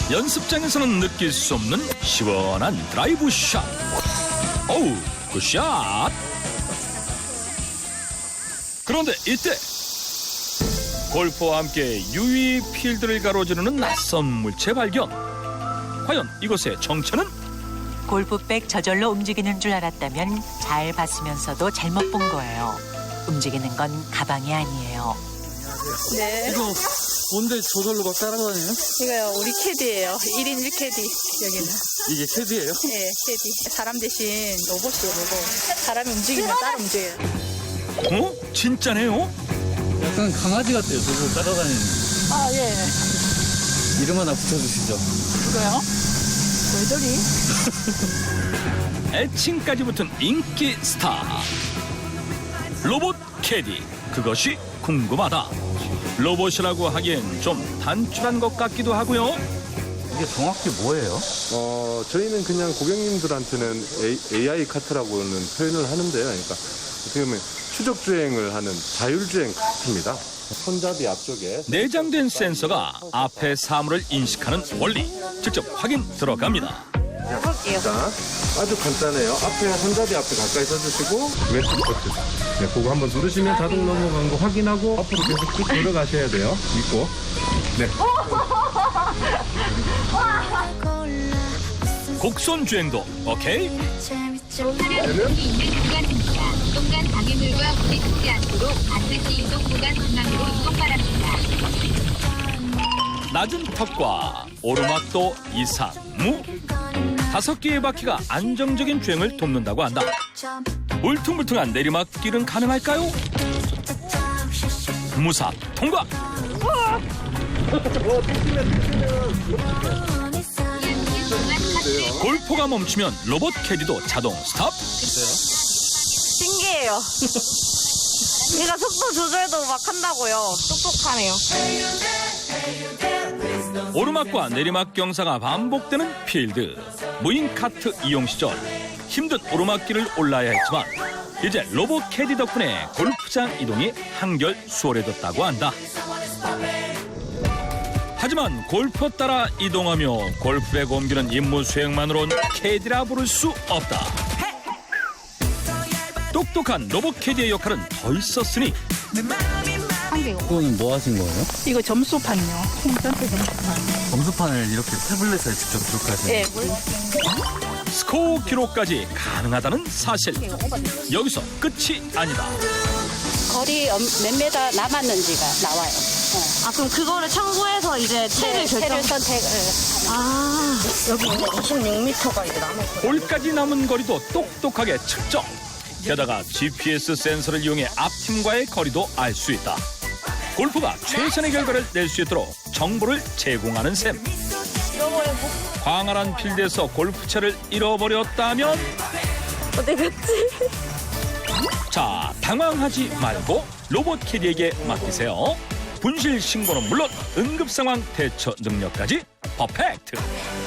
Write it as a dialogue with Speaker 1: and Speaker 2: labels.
Speaker 1: 연습장에서는 느낄 수 없는 시원한 드라이브 샷. 어우, 굿샷. 그런데 이때 골프와 함께 유이 필드를 가로지르는 낯선 물체 발견. 과연 이것의 정체는?
Speaker 2: 골프백 저절로 움직이는 줄 알았다면 잘 봤으면서도 잘못 본 거예요. 움직이는 건 가방이 아니에요.
Speaker 3: 네.
Speaker 4: 이거 뭔데 저절로 막 따라다니는?
Speaker 3: 이거요, 우리 캐디예요. 1인 1캐디, 여기는.
Speaker 4: 이게 캐디예요?
Speaker 3: 네, 캐디. 사람 대신 로봇이에요, 로봇. 사람이 움직이면 따라 움직여요.
Speaker 1: 어? 진짜네요?
Speaker 4: 약간 강아지 같아요, 저절로 따라다니는.
Speaker 3: 아, 예.
Speaker 4: 이름 하나 붙여주시죠.
Speaker 3: 이거요? 왜 저리?
Speaker 1: 애칭까지 붙은 인기 스타. 로봇 캐디. 그것이 궁금하다. 로봇이라고 하기엔 좀 단출한 것 같기도 하고요.
Speaker 4: 이게 정확히 뭐예요?
Speaker 5: 저희는 그냥 고객님들한테는 AI 카트라고는 표현을 하는데요. 그러니까 어떻게 보면 추적 주행을 하는 자율주행 카트입니다. 손잡이 앞쪽에
Speaker 1: 내장된 센서가 앞의 사물을 인식하는 원리. 직접 확인 들어갑니다.
Speaker 3: 해볼게요.
Speaker 5: 자, 아주 간단해요. 앞에 손잡이 앞에 가까이 서주시고 왼쪽 버튼. 네, 그거 한번 누르시면 자동 넘어간 거 확인하고 앞으로 계속 쭉 들어가셔야 돼요. 믿고. 네.
Speaker 1: 곡선 주행도 오케이?
Speaker 6: 공간은 있는 구간입니다. 동간 방해물과 부딪히지 않도록 반드시 이동 구간 중앙으로 이동 바랍니다.
Speaker 1: 낮은 턱과 오르막도 이상무. 5개의 바퀴가 안정적인 주행을 돕는다고 한다. 울퉁불퉁한 내리막길은 가능할까요? 무사 통과! 골프가 멈추면 로봇 캐디도 자동 스탑.
Speaker 7: 신기해요. 얘가 속도 조절도 막 한다고요. 똑똑하네요.
Speaker 1: 오르막과 내리막 경사가 반복되는 필드. 무인 카트 이용 시절 힘든 오르막길을 올라야 했지만 이제 로봇 캐디 덕분에 골프장 이동이 한결 수월해졌다고 한다. 하지만 골프 따라 이동하며 골프백 옮기는 임무 수행만으론 캐디라 부를 수 없다. 똑똑한 로봇 캐디의 역할은 더 있었으니
Speaker 4: 이거는 뭐 하신 거예요?
Speaker 3: 이거 점수판요. 홈센터 점수판.
Speaker 4: 점수판을 이렇게 태블릿에 직접 기록하시는
Speaker 3: 네,
Speaker 1: 스코어 기록까지 가능하다는 사실. 여기서 끝이 아니다.
Speaker 8: 거리 몇 메다 남았는지가 나와요.
Speaker 7: 아, 그럼 그거를 참고해서 이제 채를 결정.
Speaker 8: 선택을.
Speaker 7: 아, 여기 26m가 이제 남은 거예요.
Speaker 1: 볼까지 남은 거리도 똑똑하게 측정. 게다가 GPS 센서를 이용해 앞팀과의 거리도 알 수 있다. 골프가 최선의 결과를 낼 수 있도록 정보를 제공하는 셈. 광활한 필드에서 골프채를 잃어버렸다면
Speaker 7: 어디 갔지?
Speaker 1: 자, 당황하지 말고 로봇 캐디에게 맡기세요. 분실 신고는 물론 응급 상황 대처 능력까지 퍼펙트.